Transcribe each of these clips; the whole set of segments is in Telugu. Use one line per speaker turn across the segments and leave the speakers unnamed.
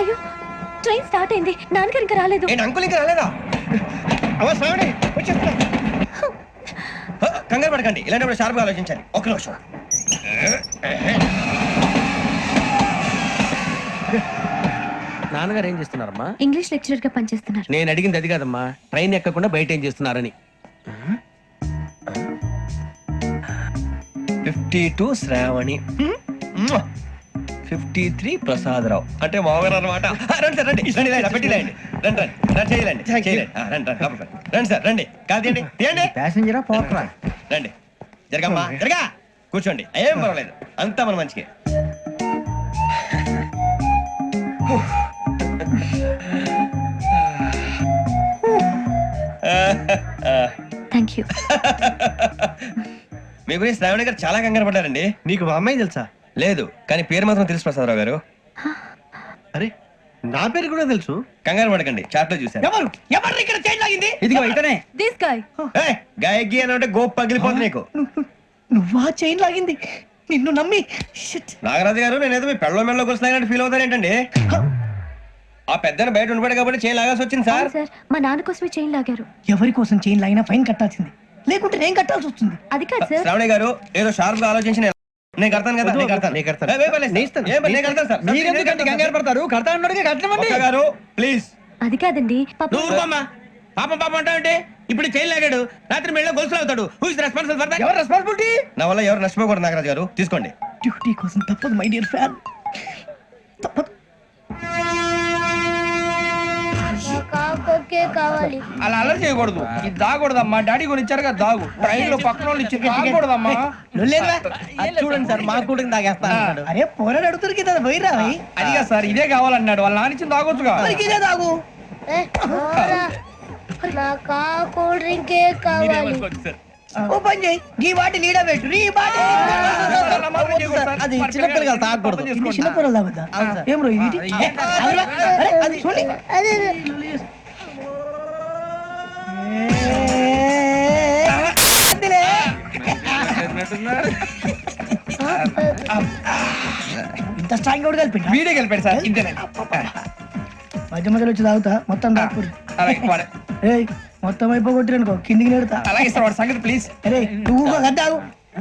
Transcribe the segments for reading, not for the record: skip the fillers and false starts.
అయ్యో ట్రైన్ స్టార్ట్ అయింది, నాన్నగారు ఇంకా రాలేదు.
అంకుల్ ఇంకా రాలేదా? కంగారు పడకండి, ఇలాంటప్పుడు షార్ప్గా ఆలోచించండి. ఒక్క నిమిషం.
నాన్నగారు ఏం చేస్తున్నారమ్మా?
ఇంగ్లీష్ లెక్చరర్ గా పనిచేస్తున్నారు.
నేను అడిగింది అది కాదమ్మా, ట్రైన్ ఎక్కకుండా బయట ఏం చేస్తున్నారని.
52 శ్రావణి, 53 ప్రసాదరావు అంటే మామగారు అనమాట. రండి సార్, రండి రండి, పెట్టిలేండి. రండి రండి రండి, చేయాలండి రండి రండి రండి సార్, రండి. కాదు తీయండి, తీయండి.
ప్యాసింజరా పోట్రా?
రండి, జరగమ్మా, జరగా, కూర్చోండి. ఏం పర్వాలేదు, అంతా మన మంచిగా.
Thank you.
మీ గురించి శ్రావణి గారు చాలా కంగారు పడ్డారండి.
నీకు మా అమ్మాయి తెలుసా?
లేదు, కానీ పేరు మాత్రం తెలుసు ప్రసాదరావు గారు.
అరే నా పేరు కూడా తెలుసు.
కంగారు పడకండి, చాట్ లో చూసాను.
ఎవరు ఎవరు ఇక్కడ చైన్ లాగింది? ఇదిగో ఇతనే.
This guy.
గాయకి అని అంటే గోప్ పగిలిపోతుంది నీకు.
నువ్వా చైన్ లాగింది? నిన్ను నమ్మి.
నాగరాజు గారు, నేనేదో మీ పెళ్ళ మెళ్ళలో గురిసినట్టు ఫీల్ అవుతారు ఏంటండి? ఆ పెద్దని బయట ఉండిపోయాడు కాబట్టి చైన్ లాగాల్సి వచ్చింది సార్.
సార్ మా నాన్న కోసమే చైన్ లాగారు.
ఎవరి కోసం చైన్ లాగినా ఫైన్ కట్టాల్సింది, లేకుంటే నేను కట్టాల్సి వస్తుంది.
అది కాదు సార్.
శ్రావణి గారు ఏదో షార్ప్ గా ఆలోచించి నేను కడతాను కదా. నేను కడతాను. గారు ప్లీజ్.
అది కాదండి,
పాపం పాపం అంటావంటే ఇప్పుడు చైన్ లాగాడు, రాత్రి మెళ్ళ గొలుసులు అవుతాడు. Who is responsible for that?
ఎవరు రెస్పాన్సిబిలిటీ?
నా వల్ల ఎవరు నష్టపోకూడదు నాగరాజు గారు, తీసుకోండి.
డ్యూటీ కోసం తప్పదు మై డియర్ ఫ్యాన్, తప్పదు.
కావాలి.
అలా అలర్ చేయకూడదు, ఇది దాగకూడదమ్మా. డాడీ కొని ఇచ్చారు కదా దాగు, ట్రైన్ లో పక్కన వాళ్ళు ఇచ్చి దాగకూడదమ్మా.
చూడండి సార్, మా కూడా తాగేస్తాను. అరే పోరాడు అడుగుతారు కదా, పోయిరా.
అదిగా సార్, ఇదే కావాలన్నాడు. వాళ్ళ నాన్న ఇచ్చింది తాగొచ్చుగా.
ఇదే తాగు.
నాకు కూల్ డ్రింకే కావాలి.
ఓ పని చేయి, ఈ బాటి లీడ పెట్టు. ఈ బాటి అది చిన్నపిల్లలు తాగకూడదు, చిన్నపిల్లలు తాగుతా. ఏం రో ఇది? అది చూడండి. ఇంత స్ట్రాంగ్ కూడా కలిపి
వీడే కలిపాడు సార్, ఇంతేనండి.
మధ్య మధ్యలో వచ్చి తాగుతా, మొత్తం తాగుతుంది. ఏయ్ మొత్తం అయిపోగొట్టిరనుకో, కిందికి నేడుతా.
అలాగే సార్, వాడు సంగతి ప్లీజ్.
అరే నువ్వు కద్దాగు.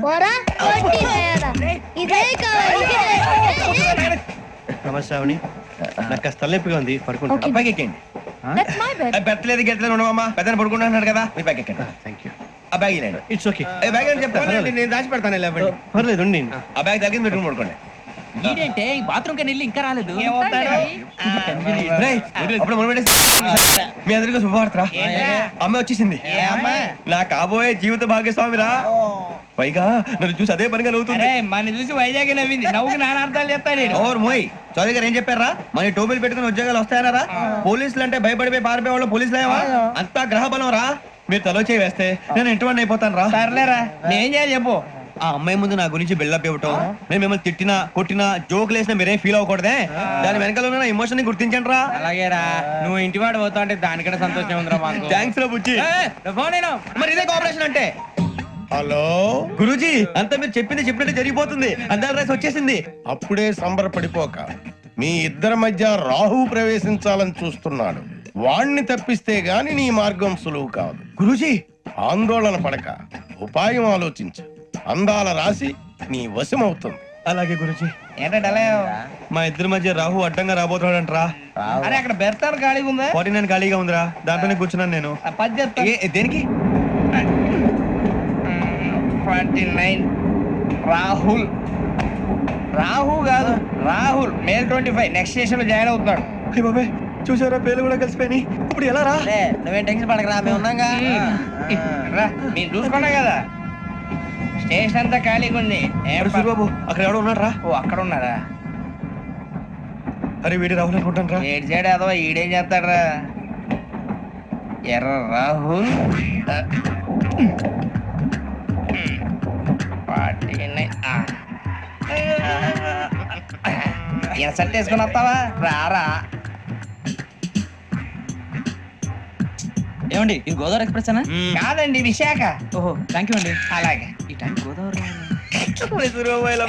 నమస్తే శ్రావణి, నాకు కాస్త తలెప్పిగా ఉంది, పడుకుంటా. పైకి ఎక్కండి.
That's my bed.
పెట్టలేదు గెట్టలేదు ఉండవమ్మా, పెద్దని పడుకుంటున్నాడు కదా, మీ పైకి ఎక్కండి.
Thank you.
ఆ బ్యాగ్ ఇలాండి.
It's okay.
బ్యాగ్ అని చెప్తాను,
నేను దాచి పెడతాను.
పర్లేదు ఉండి.
ఆ బ్యాగ్ తగ్గింది, పెట్టుకుని పడుకోండి.
ఏంటంటే బాత్రూమ్ కని వెళ్ళి ఇంకా రాలేదు.
రేయ్, అప్పుడు మొదలు పెట్టేసి మీ అందరికీ శుభవార్తరా, అమ్మ వచ్చేసింది. నా కాబోయే జీవిత భాగ్యస్వామిరా. పైగా నన్ను చూసి అదే పనిగా నవ్వుతుంది.
మన చూసి వైజాగ్ నవ్వింది, నవ్వుకి నాన్న అర్థాలు చెప్తాడు.
ఓర్ మోయ్, చౌదరి గారు ఏం చెప్పారా? మన టోబీలు పెట్టుకుని ఉద్యోగాలు వస్తాయనరా? పోలీసులు అంటే భయపడిపోయి పారిపోయే వాళ్ళు పోలీసులేవా? అంతా గ్రహ బలం రా. మీరు తలో చేయి వేస్తే నేను ఇంటివాడిని అయిపోతాను రా.
సర్లేరా, నేను చేయాలి చెప్పు.
ఆ అమ్మాయి ముందు నా గురించి బిల్డప్ ఇవ్వటం, నేను మిమ్మల్ని తిట్టినా కొట్టినా జోకులు వేసినా మీరేం ఫీల్ అవ్వకూడదే. దాని వెనకాల ఉన్న ఎమోషన్ ని గుర్తించండి రా.
అలాగేరా, నువ్వు ఇంటివాడు పోతా అంటే దానికంటే సంతోషం ఉందిరా మాకు.
థ్యాంక్స్ రా బుజ్జి. మరి ఇదే కోఆపరేషన్ అంటే.
హలో
గురూజీ, అంతా మీరు చెప్పింది చెప్పినట్టు జరిగిపోతుంది. అందరి రైస్ వచ్చేసింది.
అప్పుడే సంబరపడిపోక, మీ ఇద్దరి మధ్య రాహు ప్రవేశించాలని చూస్తున్నాడు. వాణ్ణి తప్పిస్తే గాని నీ మార్గం సులువు కాదు.
గురూజీ,
ఆందోళన పడక, ఉపాయం ఆలోచించు. అందాల రాశి నీ వశమవుతుంది.
అలాగే గురూజీ.
ఏంటంటే
మా ఇద్దరి మధ్య రాహు అడ్డంగా రాబోతున్నాడంట్రా.
అరే అక్కడ బెర్తాను ఖాళీగా ఉందా?
49 ఖాళీగా ఉందిరా, దాంట్లోనే కూర్చున్నాను నేను.
పది చెప్తా.
దేనికి?
29 రాహుల్. రాహు కాదు, రాహుల్. మే 25 నెక్స్ట్ స్టేషన్ లో జాయిన్ అవుతున్నాడు.
అయ్య బాబాయ్, చూసారా పేర్లు కూడా కలిసిపోయినాయి. ఇప్పుడు ఎలా రా?
నువ్వేం టెన్షన్ పడకరా, మేము ఉన్నాగా.
రా, మీరు చూసుకున్నా కదా, స్టేషన్ అంతా ఖాళీగా ఉంది.
బాబు అక్కడ ఎవడో ఉన్నాడు రా.
ఓ అక్కడ ఉన్నారా?
అరే వీడి రాహుల్ అనుకుంటాను రా.
ఏడు చేయడం అదవా, ఈడేం చేస్తాడరా? ఎర్ర రాహుల్ 49. ఇన్సర్ట్ వేసుకుని వస్తావా? రారా.
ఏమండి, ఇది గోదావరి ఎక్స్ప్రెస్ అనా?
కాదండి, విశాఖ.
ఓహో, థ్యాంక్ యూ అండి.
అలాగే.
ఈ టైం గోదావరి